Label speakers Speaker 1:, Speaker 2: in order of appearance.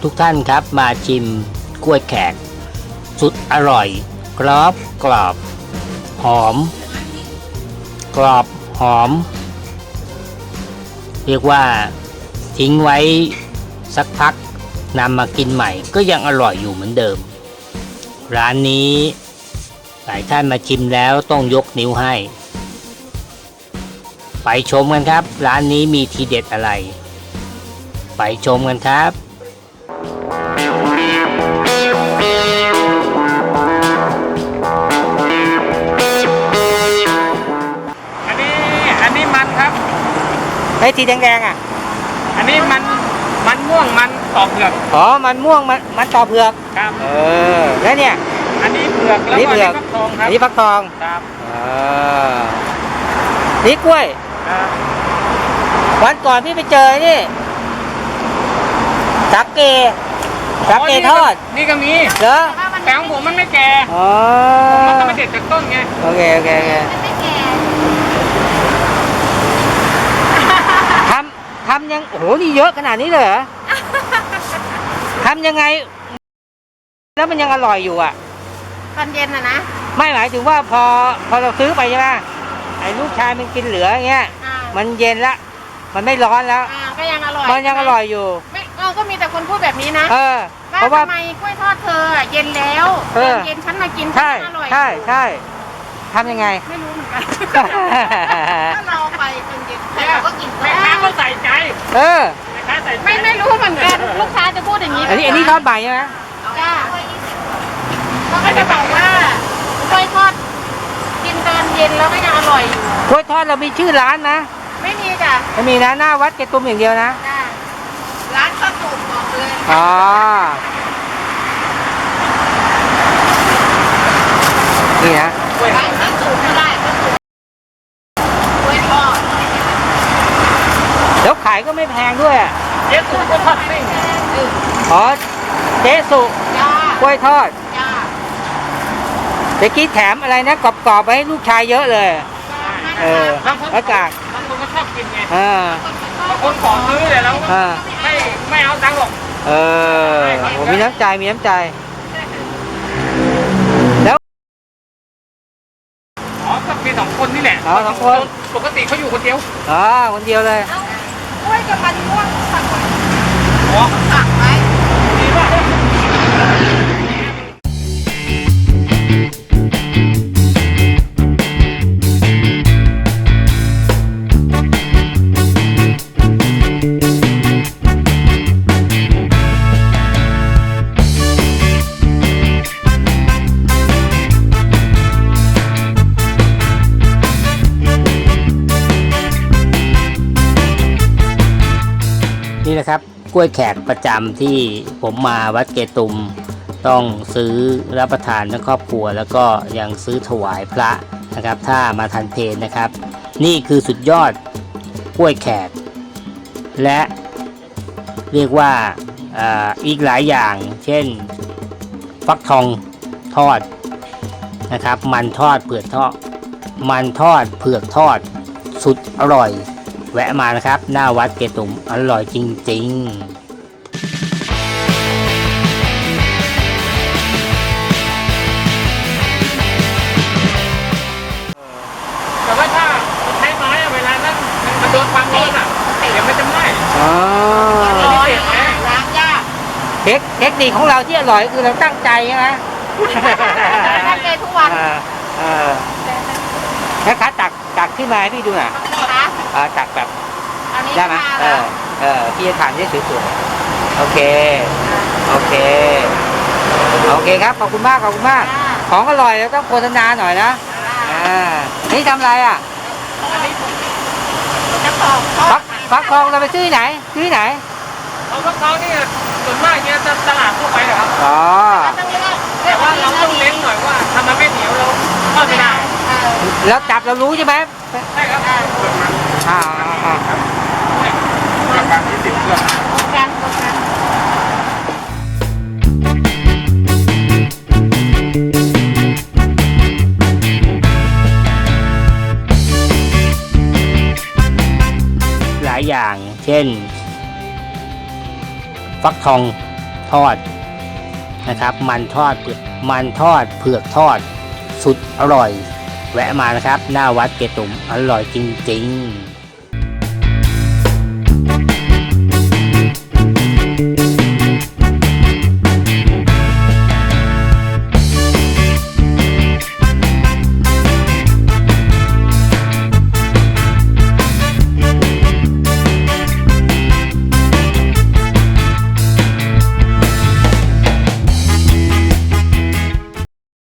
Speaker 1: ทุกท่านครับมาชิมกล้วยแขกสุดอร่อยกรอบกรอบหอมกรอบหอมเรียกว่าทิ้งไว้สักพักนำมากินใหม่ก็ยังอร่อยอยู่เหมือนเดิมร้านนี้หลายท่านมาชิมแล้วต้องยกนิ้วให้ไปชมกันครับร้านนี้มีทีเด็ดอะไรไปชมกันครับ
Speaker 2: อันนี้มันครับ
Speaker 1: ไอ้สีแดงๆอ่ะ
Speaker 2: อันนี้มันม่วงมันต่อเผือก
Speaker 1: อ๋อมันม่วงมันต่อเผือก
Speaker 2: ครับ
Speaker 1: แล้วเนี่ย
Speaker 2: อันนี้เผือกแล้วก็อันนี้ฟักทองครับ
Speaker 1: อันนี้ฟักทอง
Speaker 2: ครับ
Speaker 1: นี่กล้วยวันก่อนพี่ไปเจอนี่สักเกทอด
Speaker 2: นี่ก็มี
Speaker 1: เหรอ
Speaker 2: แต่ของผมมันไม่แก่มันต้องมาเด็ดจากต้นไง
Speaker 1: โอเคทำยังโอ้โหนี่เยอะขนาดนี้เลยเหรอทำยังไงแล้วมันยังอร่อยอยู่อ่ะ
Speaker 3: ตอนเย็นนะ
Speaker 1: ไม่หมายถึงว่าพอเราซื้อไปใช่ไหมไอ้ลูกชายมันกินเหลืออย่างเงี้ยมันเย็นละมันไม่ร้อนแล้ว
Speaker 3: ก็ยังอร่อย
Speaker 1: มันยังอร่อยอยู่
Speaker 3: ไม่ก็มีแต่คนพูดแบบนี้นะ
Speaker 1: เพราะว่า
Speaker 3: ทำไมกล้วยทอดเธอเย็นแล้วเย็นฉันมากิน
Speaker 1: ใช่
Speaker 3: อร่อย
Speaker 1: ใช่ทำยังไง
Speaker 3: ไม่รู้เหมือนกันถ้าเราไปจนเย็นเราก็กิน
Speaker 2: แม่ค้าก็ใส่ใจแม่ค้าใส่ใจ
Speaker 3: ไม่รู้เหมือนกันลูกค้าจะพูดอย่างนี้
Speaker 1: อันนี้ทอดใบใช่ไหม
Speaker 3: จ้าเขาก็จะบอกว่ากล้วยทอดกินตอนเย็นแล้วก็ยังอร่อยอยู่
Speaker 1: กล้วยทอดเรามีชื่อร้านนะ
Speaker 3: ไม่มีจ้ะ
Speaker 1: ไม่มีนะหน้าวัดเกตุมอย่างเดียวนะ
Speaker 3: ร้านข้าวตุ๋นบอกเลย
Speaker 1: นี่นะ
Speaker 3: ร้านข้าวตุ๋นก็ได้กล้วยทอด
Speaker 1: แล้วขายก็ไม่แพงด้วย
Speaker 2: เจ๊สุก็ทอดปิ้ง
Speaker 1: เจ๊สุกล้วยทอดเมื่อกี้แถมอะไรนะกรอบๆไปให้ลูกชายเยอะเลยอากาศ
Speaker 2: บางคนก็ชอบกินไง
Speaker 1: บาง
Speaker 2: คนขอซื้อเลยแล้วไม่เอาตังค์หรอก
Speaker 1: ผมมีน้ำใจแล้ว
Speaker 2: ก็มี2 คนนี่แหละ
Speaker 1: 2 คน
Speaker 2: ปกติเขาอยู่คนเดียว
Speaker 1: คนเดียวเลย
Speaker 3: กล้วยกับมันม่วงสั่งไว้
Speaker 2: สั่งไว้ดีมาก
Speaker 1: นี่นะครับกล้วยแขกประจำที่ผมมาวัดเกตุมต้องซื้อรับประทานทั้งครอบครัวแล้วก็ยังซื้อถวายพระนะครับถ้ามาทันเพลนะครับนี่คือสุดยอดกล้วยแขกและเรียกว่าอีกหลายอย่างเช่นฟักทองทอดนะครับมันทอดเผือกทอดสุดอร่อยแวะมานะครับหน้าวัดเกตุมอร่อยจริง
Speaker 2: แต่ว่าถ้าใช้ไม้เวลานั้นมันโดนความร้อนเดี๋ยวมันจะไหม้
Speaker 3: ล้างยาก
Speaker 1: เทคนิคของเราที่อร่อยคือเราตั้งใจใช่ไหม
Speaker 3: ตั้งใจทุกวัน
Speaker 1: นะคะตักขึ้นมาให้พี่ดูหน่อยตักแบบได้ไหมพี่จะทานได้สวยๆโอเคครับขอบคุณมากของอร่อยแล้วต้องโฆษณาหน่อยนะนี่ทำอะไรฟักทองเราไปซื้อไหน
Speaker 2: ฟักทองนี่ส่วนมากเนี่ยตลาดทั่วไปเหรอครับแต่ว่าเราต้องเล้งหน่อยว่าทำมันไม่เหนียวเราทอดไม่ได้
Speaker 1: แล้วจับเรารู้ใช่ไหม
Speaker 2: ใช่ครับการที่ติดเครื่อง
Speaker 1: หลายอย่างเช่นฟักทองทอดนะครับมันทอดเผือกทอดสุดอร่อยแวะมานะครับหน้าวัดเกตุมอร่อยจริงๆ